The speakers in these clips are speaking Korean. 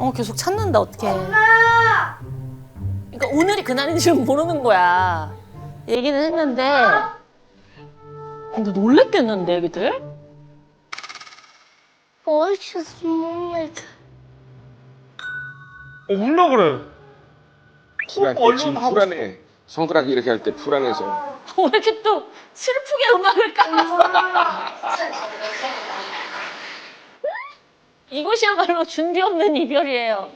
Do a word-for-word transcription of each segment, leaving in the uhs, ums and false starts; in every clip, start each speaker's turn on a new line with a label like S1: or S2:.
S1: 어 계속 찾는다 어떡해. 엄마! 그러니까 오늘이 그날인지 모르는 거야. 얘기는 했는데 근데 놀랬겠는데 애기들?
S2: 멋있어, 모르겠어.
S3: 어, 울려 그래.
S4: 불안해.
S3: 얼른
S4: 지금
S3: 하고
S4: 불안해. 손가락 이렇게 할 때 불안해서.
S1: 왜 이렇게 또 슬프게 음악을 깔았어? 이것이야말로 준비 없는 이별이에요.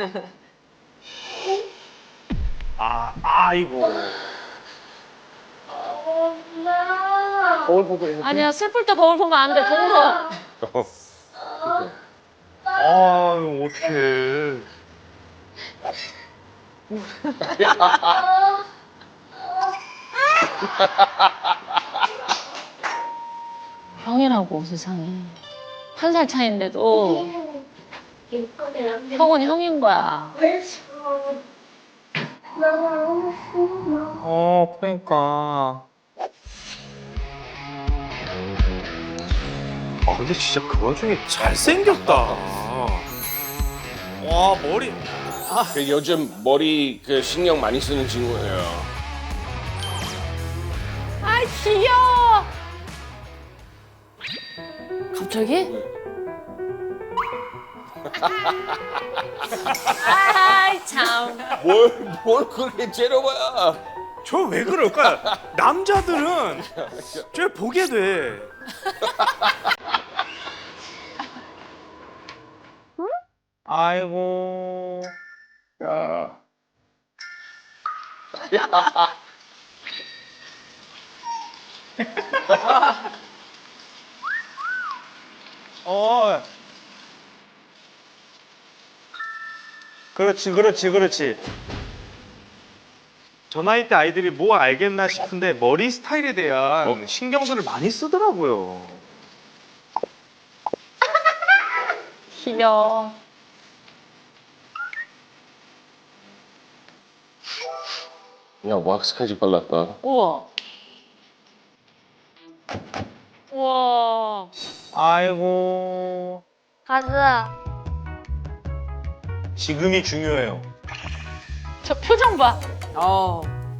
S3: 아, 아이고.
S2: 엄마.
S3: 거울 보고 해.
S1: 아니야 슬플 때 거울 보면 안 돼. 더워.
S3: 아유, 어떡해.
S1: 형이라고 세상에. 한 살 차이인데도 형은 형인 거야.
S3: 어, 그러니까. 아, 근데 진짜 그 와중에 잘생겼다. 와, 머리.
S4: 그 요즘 머리 그 신경 많이 쓰는 친구예요.
S1: 아 귀여워. 갑자기? 아이 참.
S4: 뭘, 뭘 그렇게 째려봐야.
S3: 저 왜 그럴까? 남자들은 저 보게 돼. 아이고.
S4: 야.
S3: 어. 그렇지, 그렇지, 그렇지. 저 나이 때 아이들이 뭐 알겠나 싶은데 머리 스타일에 대한
S4: 어?
S3: 신경들을 많이 쓰더라고요.
S1: 귀여워.
S4: 야, 왁스까지 발랐다.
S1: 우와. 우와.
S3: 아이고.
S2: 가자.
S3: 지금이 중요해요.
S1: 저 표정 봐.
S5: 어.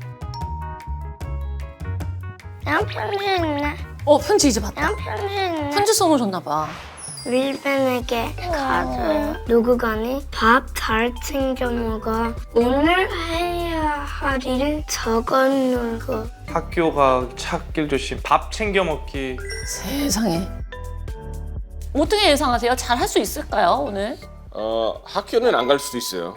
S2: 난 편지 있네.
S1: 어 편지 이제 봤다.
S2: 난 편지 있네.
S1: 편지 써놓으셨나 봐.
S2: 윌벤에게 가져요. 누구가니 밥 잘 챙겨 먹어. 오늘 해야 할 일 적어놓고.
S3: 학교 가, 찾길 조심. 밥 챙겨 먹기.
S1: 세상에. 어떻게 예상하세요? 잘 할 수 있을까요 오늘?
S4: 어, 학교는 안 갈 수도 있어요.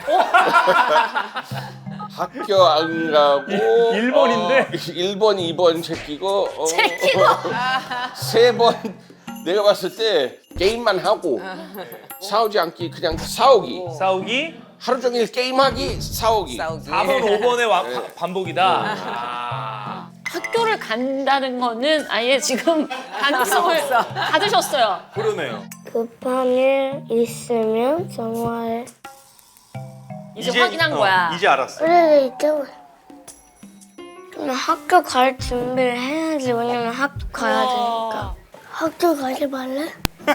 S4: 학교 안 가고
S3: 일 번인데?
S4: 어, 일 번, 이 번 제끼고 어,
S1: 제끼고?
S4: 세 번 내가 봤을 때 게임만 하고 싸우지 않기 그냥 싸우기.
S3: 싸우기.
S4: 하루 종일 게임하기, 싸우기.
S5: 싸우기.
S3: 사 번, 오 번의 와,
S4: 네.
S3: 바- 반복이다. 아.
S1: 학교를 간다는 거는 아예 지금 가능성을 가지셨어요.
S3: 그러네요.
S2: 급한 일 있으면 전화해.
S1: 이제, 확인한
S3: 어,
S1: 거야.
S3: 이제 알았어.
S2: 그래 있죠. 그럼 학교 갈 준비를 해야지. 왜냐면 학교 가야 되니까. 학교 가지 말래?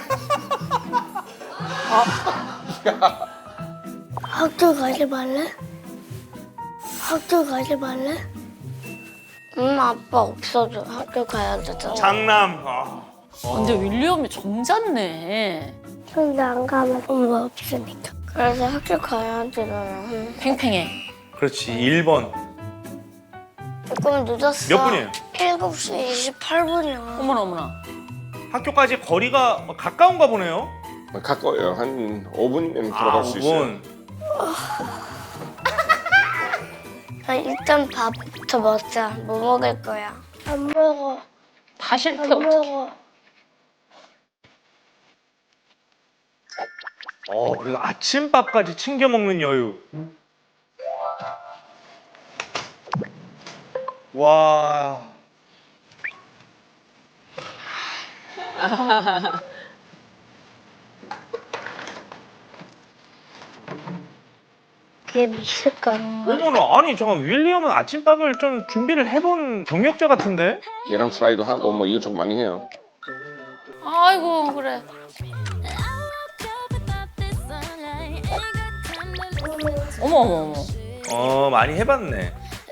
S2: 학교 가지 말래? 학교 가지 말래? 엄마 아빠 없어도 학교 가야 되잖아.
S3: 장남. 아.
S1: 어, 근데 윌리엄이 정잤네.
S2: 근데 안 가면 엄마 없으니까. 그래서 학교 가야 되잖아.
S1: 팽팽해.
S3: 그렇지, 일 번.
S2: 조금 늦었어.
S3: 몇 분이에요?
S2: 일곱 시 이십팔 분이야.
S1: 어머나 어머나.
S3: 학교까지 거리가 가까운가 보네요.
S4: 가까워요. 한 오 분이면 들어갈
S3: 아,
S4: 수
S3: 오
S4: 있어요.
S3: 분.
S2: 아, 일단 밥부터 먹자. 뭐 먹을 거야? 안 먹어.
S1: 다 싫대.
S2: 안 먹어.
S3: 어, 그리고 아침밥까지 챙겨 먹는 여유. 와.
S2: 그게 미칠까?
S3: 어머나, 아니 잠깐 윌리엄은 아침밥을 좀 준비를 해본 경력자 같은데?
S4: 계란 프라이도 하고 뭐 이것저것 많이 해요.
S1: 아이고 그래. 어머 어머 어머.
S3: 어 많이 해봤네.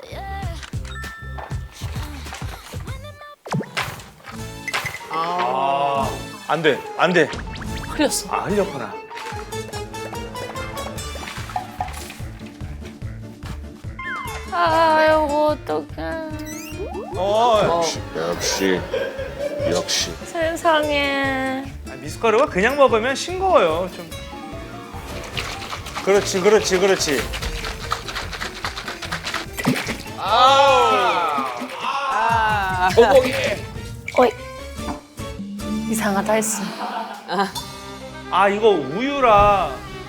S3: 아, 안 돼, 안 돼.
S1: 흘렸어.
S3: 아, 흘렸구나.
S1: 아이고 어떡해.
S3: 어,
S4: 역시 역시.
S1: 세상에.
S3: 아, 미숫가루가 그냥 먹으면 싱거워요. 좀. 그렇지, 그렇지, 그렇지.
S4: 아, 소고기.
S2: 어이.
S1: 이상하다 했어.
S3: 아, 이거 우유라.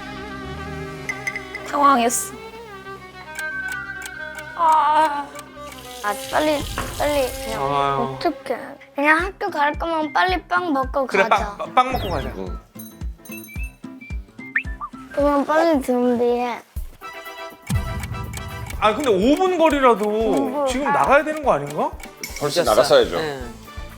S1: 당황했어. 아.
S2: 아 빨리 빨리 그냥
S3: 아유.
S2: 어떡해. 그냥 학교 갈 거면 빨리 빵 먹고
S3: 그래,
S2: 가자.
S3: 빵, 빵 먹고 가자.
S4: 응.
S2: 그러면 빨리 준비해.
S3: 아, 근데 오 분 거리라도
S2: 분.
S3: 지금 나가야 되는 거 아닌가?
S4: 벌써 나갔어야죠.
S5: 응.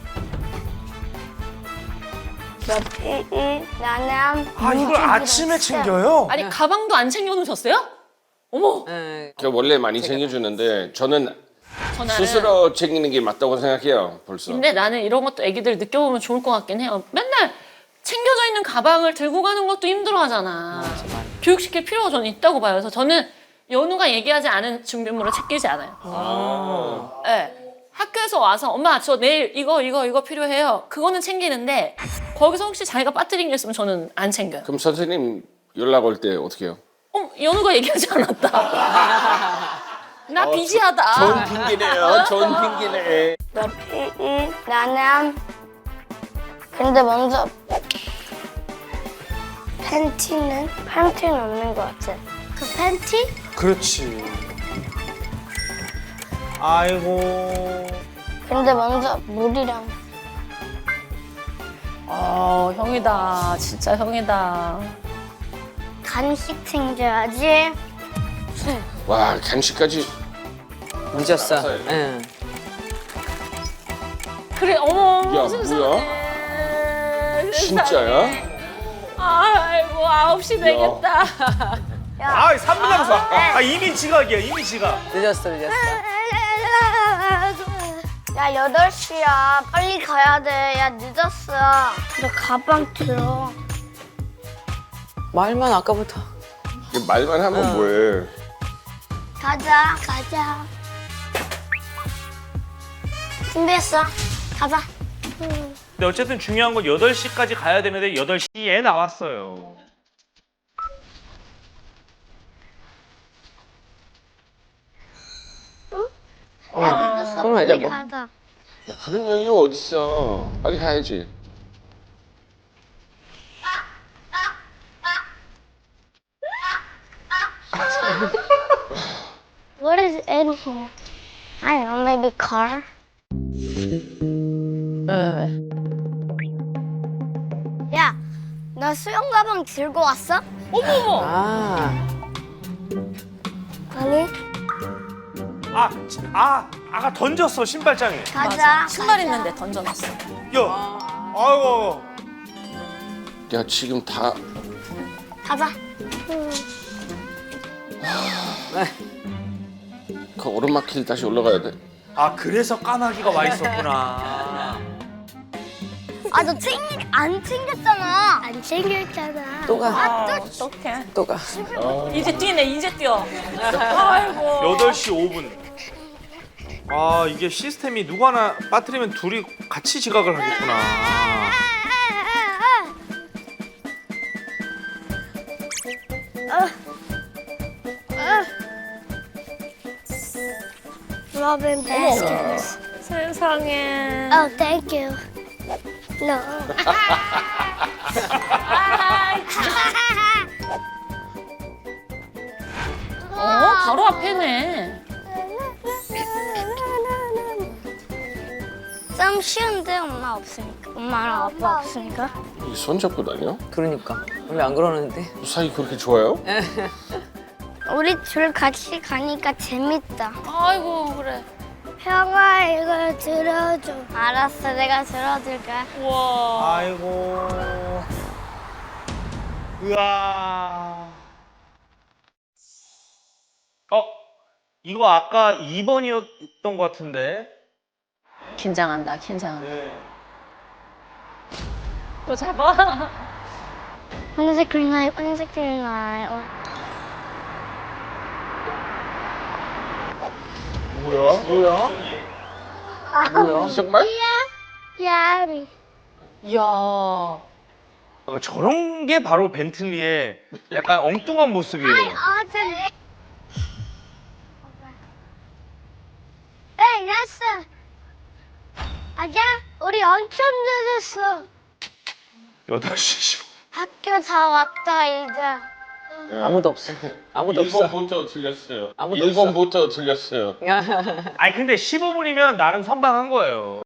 S2: 몇이 나는
S3: 아, 이걸 아침에 챙겨요?
S1: 아니 가방도 안 챙겨놓으셨어요? 어머.
S5: 응.
S4: 저 원래 많이 챙겨주는데 저는
S1: 전화를.
S4: 스스로 챙기는 게 맞다고 생각해요. 벌써.
S1: 근데 나는 이런 것도 애기들 느껴보면 좋을 것 같긴 해요. 맨날 챙겨져 있는 가방을 들고 가는 것도 힘들어하잖아. 교육시킬 필요가 저는 있다고 봐요. 그래서 저는 연우가 얘기하지 않은 준비물을 챙기지 않아요.
S4: 아.
S1: 네. 학교에서 와서 엄마 저 내일 이거 이거 이거 필요해요. 그거는 챙기는데 거기서 혹시 자기가 빠뜨린 게 있으면 저는 안 챙겨요.
S4: 그럼 선생님 연락 올 때 어떻게 해요?
S1: 어, 연우가 얘기하지 않았다. 나 비지하다.
S4: 좋은 핑계네요. 좋은 핑계네.
S2: 몇이 나는 근데 먼저 팬티는 팬티는 없는 것 같아. 그 팬티?
S3: 그렇지. 아이고.
S2: 근데 먼저 물이랑
S1: 어, 형이다. 진짜 형이다.
S2: 간식 챙겨야지.
S4: 와 간식까지.
S5: 늦었어.
S4: 알았어요.
S5: 응.
S1: 그래, 어머.
S4: 야,
S1: 세상에.
S4: 뭐야?
S1: 세상에.
S4: 진짜야?
S1: 아이고, 아홉 시 되겠다.
S3: 아, 삼 분 남았어. 아, 이미 지각이야, 이미 지각.
S5: 늦었어, 늦었어.
S2: 야, 여덟 시야. 빨리 가야 돼. 야, 늦었어. 너 가방 들어.
S5: 말만 아까부터.
S4: 이게 말만 하면 뭐해?
S2: 가자. 가자. 준비했어. 가자.
S3: 근데 어쨌든 중요한 건 여덟 시까지 가야 되는데 여덟 시에 나왔어요.
S5: 손을 알자 뭐.
S2: 가자.
S4: 그런 여유 어딨어? 빨리 가야지.
S2: What is in here? I don't know, maybe car? 야, 너 수영 가방 들고 왔어?
S1: 어머.
S5: 아.
S2: 아니.
S3: 아, 지- 아, 아가 던졌어, 신발장에.
S2: 가자.
S1: 신발
S2: 가자.
S1: 있는데 던져놨어.
S3: 야, 아이고.
S4: 야 지금 다
S2: 가자.
S4: 그 오르막길 다시 올라가야 돼.
S3: 아, 그래서 까마귀가 와 있었구나.
S2: 아, 너 챙, 안 챙겼잖아. 안 챙겼잖아.
S5: 또 가.
S1: 아, 어떡해.
S5: 또 가.
S1: 이제 뛰네, 이제 뛰어. 아이고.
S3: 여덟 시 오 분. 아, 이게 시스템이 누구 하나 빠뜨리면 둘이 같이 지각을 하겠구나.
S2: Robin baskets.
S1: 세상에.
S2: Oh, thank you. No.
S1: 어, 바로 앞에네.
S2: 좀 쉬운데 엄마 없으니까. 엄마랑 아빠 없으니까.
S4: 이 손잡고 다녀?
S5: 그러니까. 원래 안 그러는데.
S4: 사이 그렇게 좋아요?
S2: 우리 둘 같이 가니까 재밌다.
S1: 아이고, 그래.
S2: 형아 이걸 들어줘. 알았어, 내가 들어줄게.
S1: 우와.
S3: 아이고. 으아. 이거 아까 이 번이었던 것 같은데.
S1: 긴장한다, 긴장한다.
S3: 네.
S1: 또 잡아.
S2: 황색 green light, 황색 green light. 어.
S4: 뭐야? 뭐야? 뭐야? 정말?
S2: 야비.
S1: 이야.
S3: 어, 저런 게 바로 벤틀리의 약간 엉뚱한 모습이에요.
S2: awesome. 에이, 야스. 아자, 우리 엄청 늦었어.
S3: 여덟 시 십오 분.
S2: 학교 다 왔다 이제.
S5: 아무도 없어. 아무도 없어.
S4: 일 번부터 틀렸어요.
S5: 아무도
S4: 일 번부터 틀렸어요.
S3: 아니 근데 십오 분이면 나름 선방한 거예요.